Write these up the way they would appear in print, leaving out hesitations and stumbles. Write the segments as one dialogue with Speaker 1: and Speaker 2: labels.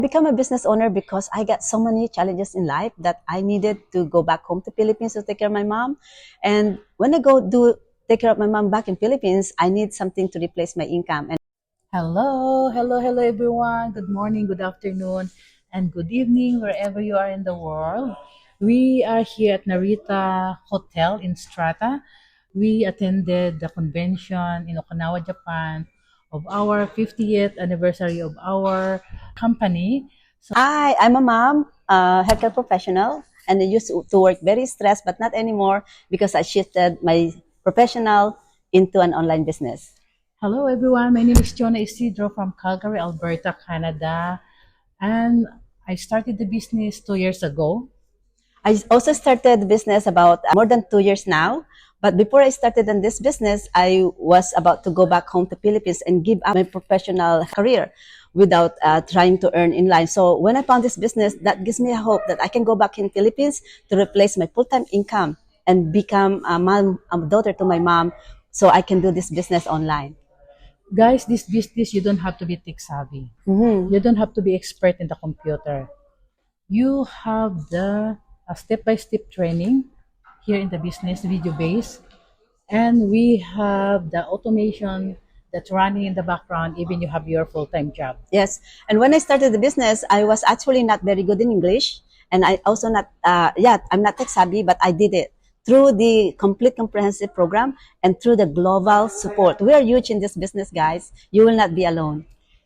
Speaker 1: Become a business owner because I got so many challenges in life that I needed to go back home to Philippines to take care of my mom. And when I go do take care of my mom back in Philippines, I need something to replace my income. And
Speaker 2: Hello everyone. Good morning, good afternoon, and good evening wherever you are in the world. We are here at Narita Hotel in Strata. We attended the convention in Okinawa, Japan of our 50th anniversary of our company.
Speaker 1: I'm a mom, healthcare professional, and I used to work very stressed, but not anymore because I shifted my professional into an online business.
Speaker 2: Hello everyone, my name is Jonah Isidro from Calgary, Alberta, Canada, and I started the business 2 years ago.
Speaker 1: I also started the business about more than 2 years now. But before I started in this business, I was about to go back home to Philippines and give up my professional career without trying to earn in line. So when I found this business, that gives me a hope that I can go back in Philippines to replace my full-time income and become a mom, a daughter to my mom, so I can do this business online.
Speaker 2: Guys, this business, you don't have to be tech savvy. You don't have to be expert in the computer. You have the step-by-step training here in the business video base, and we have the automation that's running in the background, even you have your full-time job.
Speaker 1: Yes. And when I started the business, I was actually not very good in English. And I also not, I'm not tech savvy, but I did it through the complete comprehensive program and through the global support. We are huge in this business, guys. You will not be alone.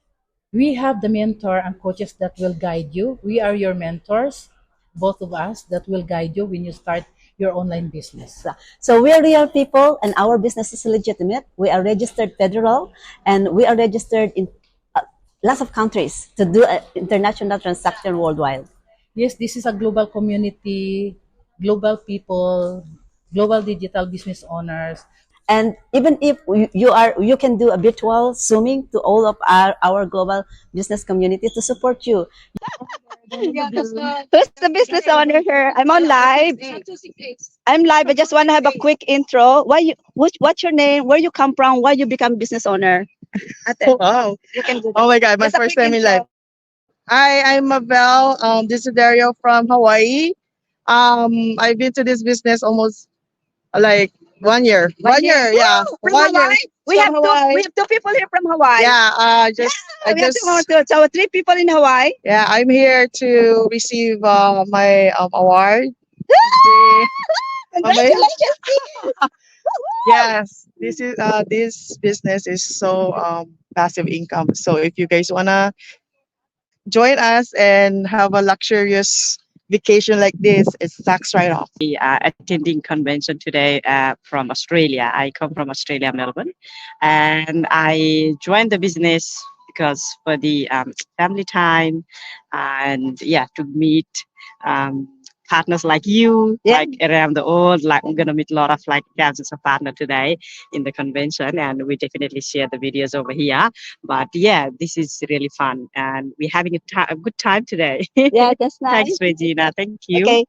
Speaker 2: We have the mentor and coaches that will guide you. We are your mentors, both of us, that will guide you when you start your online business.
Speaker 1: So we are real people and our business is legitimate. We are registered federal and we are registered in lots of countries to do international transaction worldwide.
Speaker 2: Yes, this is a global community, global people, global digital business owners.
Speaker 1: And even if you can do a virtual zooming to all of our global business community to support you. Who's the business owner here? I'm on live. I'm live. I just want to have a quick intro. What's your name? Where you come from? Why you become business owner?
Speaker 3: Wow.
Speaker 1: You can do that.
Speaker 3: Oh my God, my
Speaker 1: Just a
Speaker 3: first
Speaker 1: quick
Speaker 3: time in
Speaker 1: intro.
Speaker 3: life. Hi, I'm Mabel. This is Dario from Hawaii. I've been to this business almost like 1 year. 1 year, yeah.
Speaker 1: From
Speaker 3: 1 year.
Speaker 1: Hawaii? We
Speaker 3: From
Speaker 1: have
Speaker 3: Hawaii.
Speaker 1: we have two people here from Hawaii.
Speaker 3: Yeah,
Speaker 1: We have so three people in Hawaii.
Speaker 3: yeah, I'm here to receive my award.
Speaker 1: Congratulations.
Speaker 3: Yes, this business is so passive income. So if you guys wanna join us and have a luxurious vacation like this, it's tax write off.
Speaker 4: Attending convention today from Australia. I come from Australia, Melbourne, and I joined the business because for the family time and to meet partners like you,
Speaker 1: Yeah.
Speaker 4: like around the world. Like I'm gonna meet a lot of like thousands of partners today in the convention, and we definitely share the videos over here. But yeah, this is really fun, and we're having a good time today.
Speaker 1: Yeah, that's nice.
Speaker 4: Thanks, Regina. Thank you.
Speaker 1: Okay.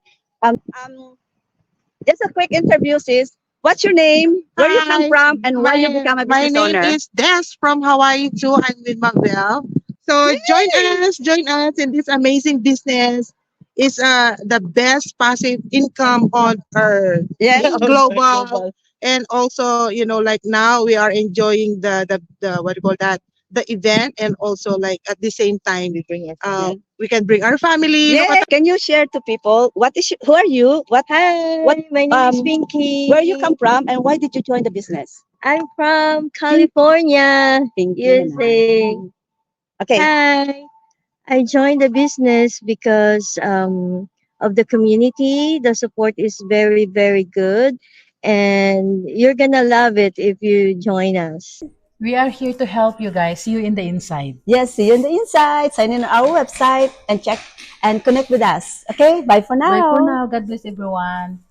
Speaker 1: Just a quick interview, sis. What's your name? Where you come
Speaker 3: Hi,
Speaker 1: from? And why you become a
Speaker 3: my
Speaker 1: business
Speaker 3: name
Speaker 1: owner?
Speaker 3: is Des from Hawaii too. I'm with Mabel. So join us in this amazing business. It's the best passive income on earth.
Speaker 1: Yeah.
Speaker 3: It's global. And also, like now we are enjoying the what do you call that? The event, and also like at the same time we can bring our family.
Speaker 1: Yeah. Can you share to people who are you? What
Speaker 5: My name is Pinky.
Speaker 1: where you come from and why did you join the business?
Speaker 5: I'm from California,
Speaker 1: Pinky
Speaker 5: USA.
Speaker 1: Okay.
Speaker 5: Hi. I joined the business because of the community. The support is very, very good. And you're going to love it if you join us.
Speaker 2: We are here to help you guys. See you in the inside.
Speaker 1: Yes, see you on the inside. Sign in on our website and check and connect with us. Okay, bye for now.
Speaker 2: Bye for now. God bless everyone.